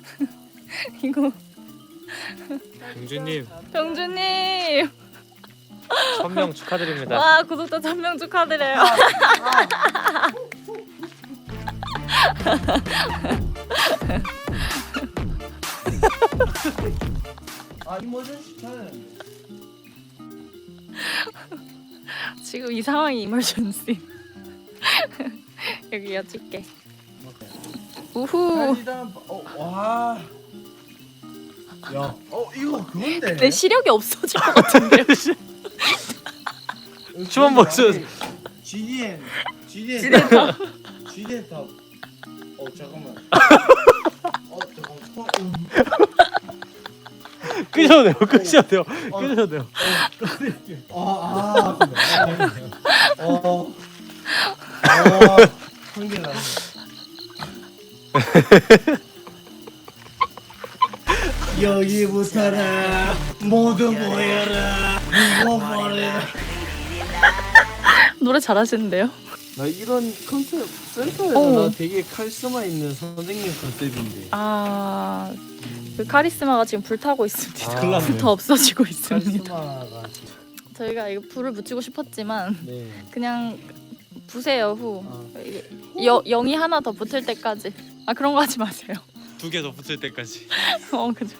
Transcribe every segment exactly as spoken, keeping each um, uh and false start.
이거 병주님 병주님 천 명 축하드립니다. 와 구독자 천 명 축하드려요. 아 이모저씨 차는 지금 이 상황이 이머전시. 여기 여쭐게. 우후. 일단 어와 야, 어 이거 그건데. 내 시력이 없어질 것 같은데요. 춤 보여줘. 지디엔 지디엔 지디엔 탑. 지디엔 탑. 어 잠깐만. 어 잠깐만. 어, 음. 끄셔도 돼요. 끄셔도 돼요. 어. 끄셔도 돼요. 아, 아, 어, 어, 한개 나네. 여기부터라 모두 모여라 이거 뭐래. 노래 잘하시는데요? 나 이런 컨셉 센터에서 어. 나 되게 카리스마 있는 선생님 컨셉인데. 아, 그 카리스마가 지금 불타고 있습니다. 아, 큰일 났네요. 불타 없어지고 있습니다. 카리스마가 저희가 이거 불을 붙이고 싶었지만 네. 그냥 부세요 후. 아. 여, 영이 하나 더 붙을 때까지. 아 그런 거 하지 마세요. 두 개 더 붙을 때까지. 어 그죠.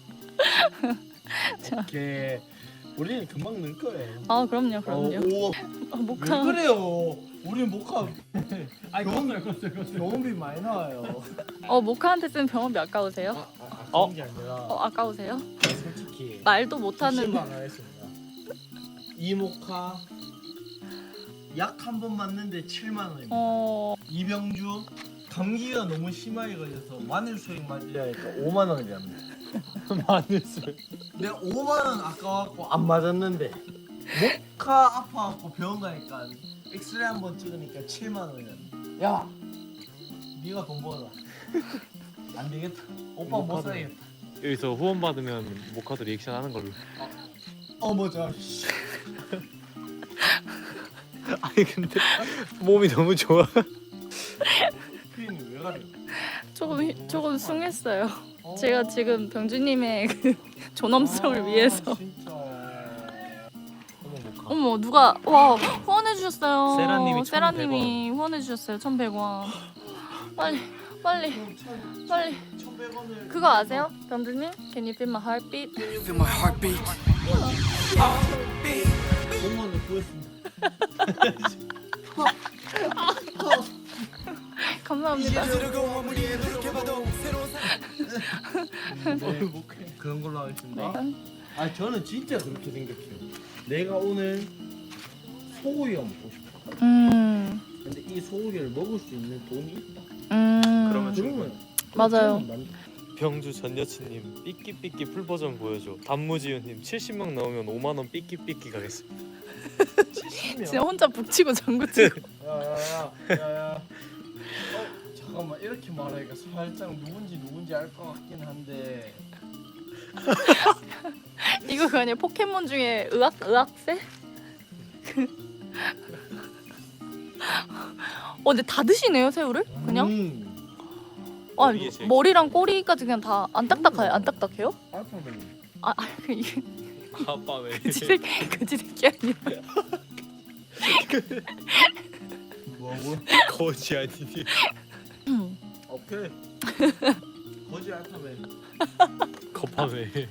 오케이. 우리는 금방 늘 거예요. 아 그럼요 그럼요. 어, 오, 아, 왜 목화. 그래요? 우리는 목화 아니 껐어요 껐어요 껐어요. 병원비 많이 나와요. 어 목화한테 쓰는 병원비 아까우세요? 아, 아, 어? 그런 게 아니라 어 아까우세요? 솔직히 말도 못하는. 십만 원 했습니다. 이 목화 약 한 번 맞는데 칠만 원입니다. 어 이병주 감기가 너무 심하게 걸려서 마늘 수액 맞으려 하니까 오만 원이랍니다. 마늘술. 내가 오만 원 아까워갖고 안 맞았는데 목화 아파갖고 병원 가니까 엑스레이 한 번 찍으니까 칠만 원이랍니다. 야, 네가 돈 벌어라. 안 되겠다. 오빠 못 목화도. 사겠다. 여기서 후원 받으면 모카도 리액션 하는 걸로. 어 맞아. 아니 근데 몸이 너무 좋아. 피디님 왜 가려? 조금 휘- 조금 숭했어요. 어. 제가 지금 병주님의 그 존엄성을 아, 위해서. 진짜. 어머 모카. 어머 누가 와 후원해 주셨어요. 세라님이 세라님이 후원해 주셨어요. 천백 원. 빨리 빨리 그럼 천- 빨리. 천백 원을 그거 아세요? 병주님? Can you feel my heartbeat? Feel my heartbeat. 오만 원 구했습니다. 감사합니다. 네, 그런 걸로 하겠습니다. 네. 아 저는 진짜 그렇게 생각해요. 내가 오늘 소고기가 먹고 싶어. 음. 근데 이 소고기를 먹을 수 있는 돈이 있다. 음. 그러면 그러면 맞아요. 저는 만- 병주 전 여친님 삐끼삐끼 풀 버전 보여줘. 단무지윤님 칠십 명 나오면 오만 원 삐끼삐끼 가겠습니다. 진짜 혼자 북치고 장구치고. 야야야 야야. 어 잠깐만 이렇게 말하니까 살짝 누군지 누군지 알 것 같긴 한데. 이거 그 아니에요? 포켓몬 중에 의학 의학세? 어 근데 다 드시네요 새우를? 그냥? 음. 아 머리에 제일- 머리랑 꼬리까지 그냥 다 안 딱딱해요? 안 딱딱해요? 알파벳. 아, 아 이게 아빠 왜? 그지 새끼 그지 새끼 아니야? 뭐고? 거지 아니니? 오케이. 거지 알파벳. 거파왜?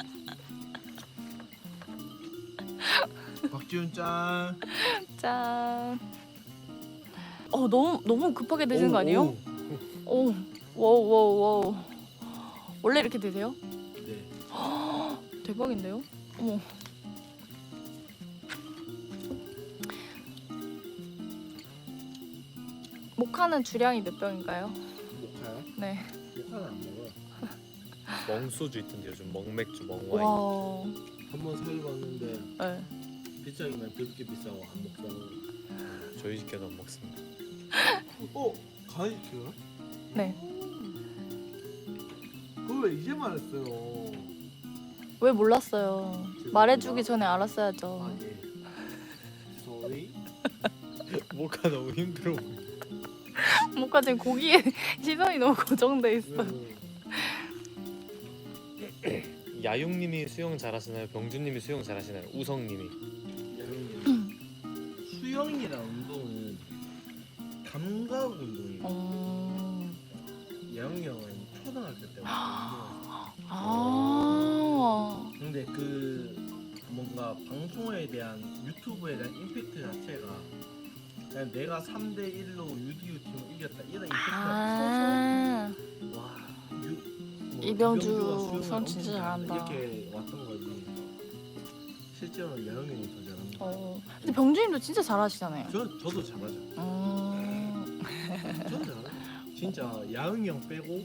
박지훈 짠. 짠. 어 너무 너무 급하게 드시는 오, 거 아니에요? 오. 오, 와우 와우 와우. 원래 이렇게 드세요? 네. 대박인데요? 어머. 모카는 주량이 몇 병인가요? 모카요? 네. 모카는 안 먹어요. 멍소주 있던데 요즘 멍맥주 멍와인. 와. 한번 사입었는데 네. 비싸기만 되게 비싸고 안 먹다고. 저희 집게도 안 먹습니다. 어? 가이드요? 네. 그걸 왜 이제 말했어요? 왜 몰랐어요? 말해주기 전에 알았어야죠. 아 예. Sorry. 모카 너무 힘들어 보여. 모카 지금 고기에 시선이 너무 고정돼 있어. 왜, 왜? 야용님이 수영 잘하시나요? 병준님이 수영 잘하시나요? 우성님이. 수영이랑 운동은 감각 운동이에요. 어... 야영이 형은 초등학교 때부터 운동했어요. 아. 근데 그 뭔가 방송에 대한 유튜브에 대한 임팩트 자체가 그냥 내가 삼 대 일로 유디유 팀을 이겼다 이런 임팩트가 아. 커서 와 유, 뭐 이병주 이병주가 수영을 수영 엄청 진짜 잘한다. 이렇게 왔던 거지. 실제로는 야영이 형이 더 잘한다. 어. 근데 병준님도 진짜 잘하시잖아요. 저 저도 잘하죠. 음. 저도 잘하죠. 진짜 야영이 형 빼고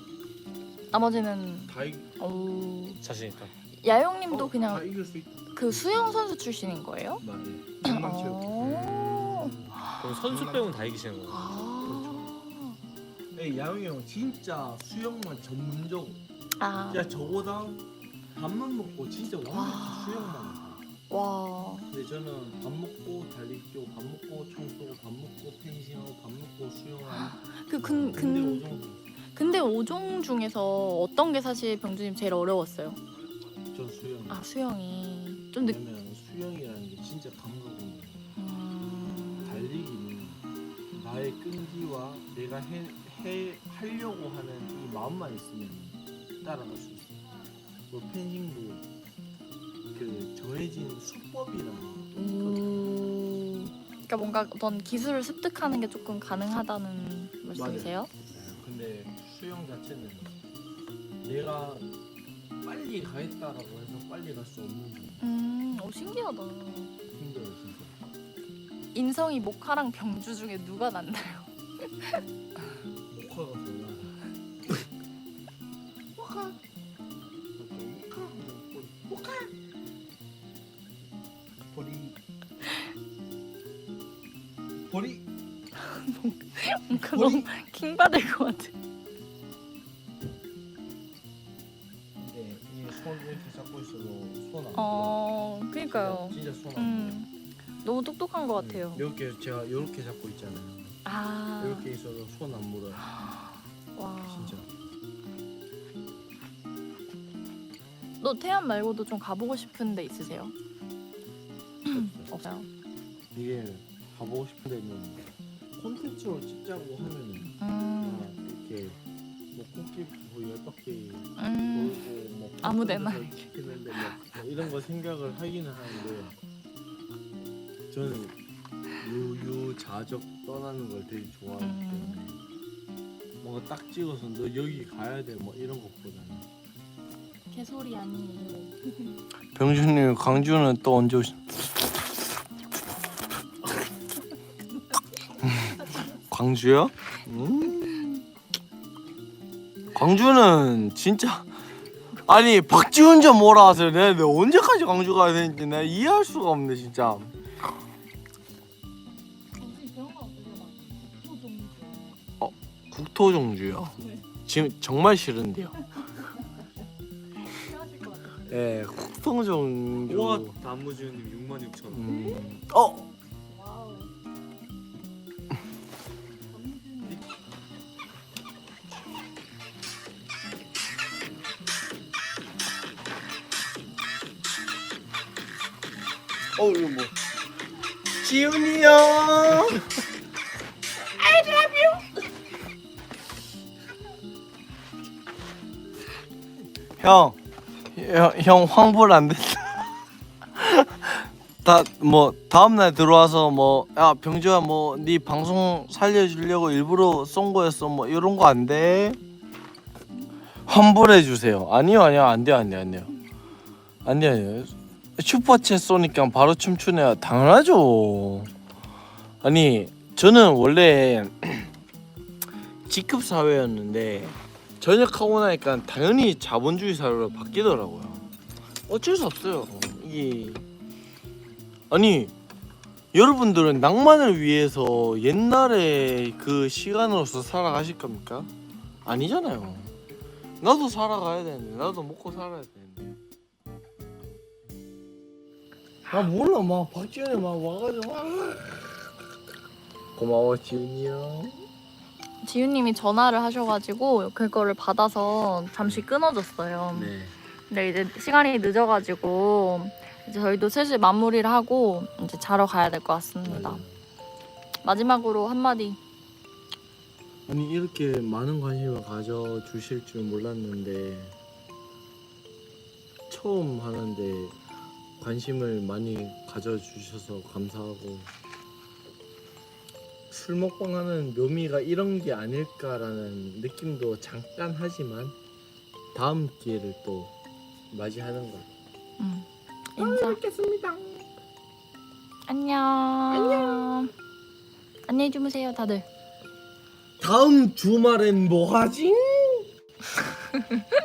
나머지는 다, 이, 어... 자신 있다. 야용님도 어, 그냥 다 이길 수 있다. 그 수영 선수 출신인 거예요? 맞아요. 엉망체육. 어... 그럼 선수 빼고는 다 이기시는 거예요. 아. 네, 야영이 형 진짜 수영만 전문적으로. 아. 야 저보다 밥만 먹고 진짜 와. 완전 수영만 해요. 와. 근데 저는 밥 먹고 달리기 뛰고 밥 먹고 청소고 밥 먹고 펜싱하고 밥 먹고 수영하고 그근 근데 근, 오종 근데 오종 중에서 어떤 게 사실 병준님 제일 어려웠어요? 전 수영. 아 수영이 좀 늦. 왜냐면 수영이라는 게 진짜 감각이에요. 음... 달리기는 나의 끈기와 내가 해, 해 하려고 하는 이 마음만 있으면 따라갈 수 있어. 뭐 펜싱도 그 정해진 수법이라는 게 음... 그러니까 뭔가 어떤 기술을 습득하는 게 조금 가능하다는 말씀이세요? 근데 수영 자체는 내가 빨리 가겠다라고 해서 빨리 갈 수 없는 게 음, 오 신기하다. 힘들어요 진짜. 인성이 모카랑 병주 중에 누가 낫나요? 모카가 몰라. 모카. 모카. 모카. 보리. 보리. 뭔가 너무 킹 받을 것 같아. 네, 이손 이렇게 잡고 있어도 손안 어, 그니까요. 진짜 손안 음, 너무 똑똑한 것 같아요. 이렇게 제가 이렇게 잡고 있잖아요. 아, 이렇게 있어도 손 안 물어요. 와. 진짜. 너 태안 말고도 좀 가보고 싶은 데 있으세요? 없어요. 이게 가보고 싶은 데는 콘텐츠로 찍자고 하면은 음, 막 이렇게 뭐 코끼리 뭐 열 바퀴 음, 돌고 뭐 아무데나 콘텐츠로 찍히는데 뭐, 뭐 이런 거 생각을 하기는 하는데 저는 유유자적 떠나는 걸 되게 좋아하기 음. 때문에 뭔가 딱 찍어서 너 여기 가야 돼 뭐 이런 것보다는. 개소리 아니에요. 병준님 광주는 또 언제 오시? 광주요? 음. 광주는 진짜 아니 박지훈 좀 몰아와서 내가, 내가 언제까지 광주 가야 되는지 내가 이해할 수가 없네 진짜. 국토종주요? 지금 정말 싫은데요. 네, 국토종주. 우와 단무지우님 육만 육천 원. 음. 어. 어 이거 뭐? 지훈이 형. 형, 형, 형 황불 안 된다. 다 뭐 다음 날 들어와서 뭐 야 병주야 뭐 네 방송 살려주려고 일부러 쏜 거였어 뭐 이런 거 안 돼. 환불해 주세요. 아니요 아니요 안 돼요 안 돼요 안 돼요 안 돼요 아니요. 슈퍼챗 쏘니까 바로 춤추네요. 당연하죠. 아니 저는 원래 G급 사회였는데 전역하고 나니까 당연히 자본주의 사회로 바뀌더라고요. 어쩔 수 없어요. 이게 아니 여러분들은 낭만을 위해서 옛날에 그 시간으로서 살아가실 겁니까? 아니잖아요. 나도 살아가야 되는데 나도 먹고 살아야 되는데. 아 몰라 막 박지현이 막 와가지고 막 고마워 지훈이 형. 지윤님이 전화를 하셔가지고 그거를 받아서 잠시 끊어졌어요. 네. 근데 이제 시간이 늦어가지고 이제 저희도 슬슬 마무리를 하고 이제 자러 가야 될 것 같습니다. 마지막으로 한마디. 아니 이렇게 많은 관심을 가져주실 줄 몰랐는데 처음 하는데 관심을 많이 가져주셔서 감사하고 술 먹방 하는 묘미가 이런 게 아닐까라는 느낌도 잠깐 하지만 다음 기회를 또 맞이하는 거. 응. 인사. 뵙겠습니다. 안녕. 안녕. 안녕히 주무세요, 다들. 다음 주말엔 뭐 하지?